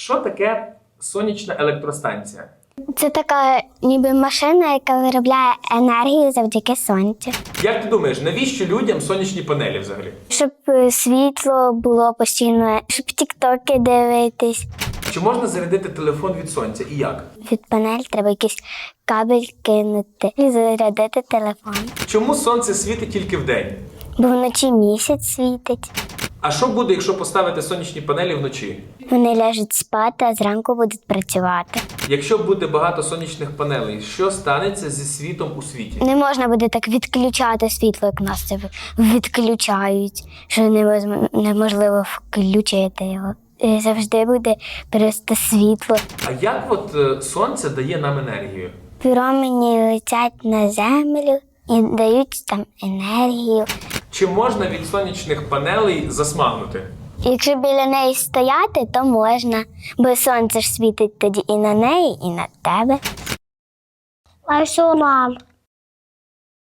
Що таке сонячна електростанція? Це така ніби машина, яка виробляє енергію завдяки сонцю. Як ти думаєш, навіщо людям сонячні панелі взагалі? Щоб світло було постійно, щоб тіктоки дивитись. Чи можна зарядити телефон від сонця і як? Від панель треба якийсь кабель кинути і зарядити телефон. Чому сонце світить тільки вдень? Бо вночі місяць світить. А що буде, якщо поставити сонячні панелі вночі? Вони ляжуть спати, а зранку будуть працювати. Якщо буде багато сонячних панелей, що станеться зі світом у світі? Не можна буде так відключати світло, як нас це відключають, що неможливо включити його. І завжди буде просто світло. А як сонце дає нам енергію? Промені летять на землю і дають там енергію. Чи можна від сонячних панелей засмагнути? Якщо біля неї стояти, то можна, бо сонце ж світить тоді і на неї, і на тебе. А що, мам?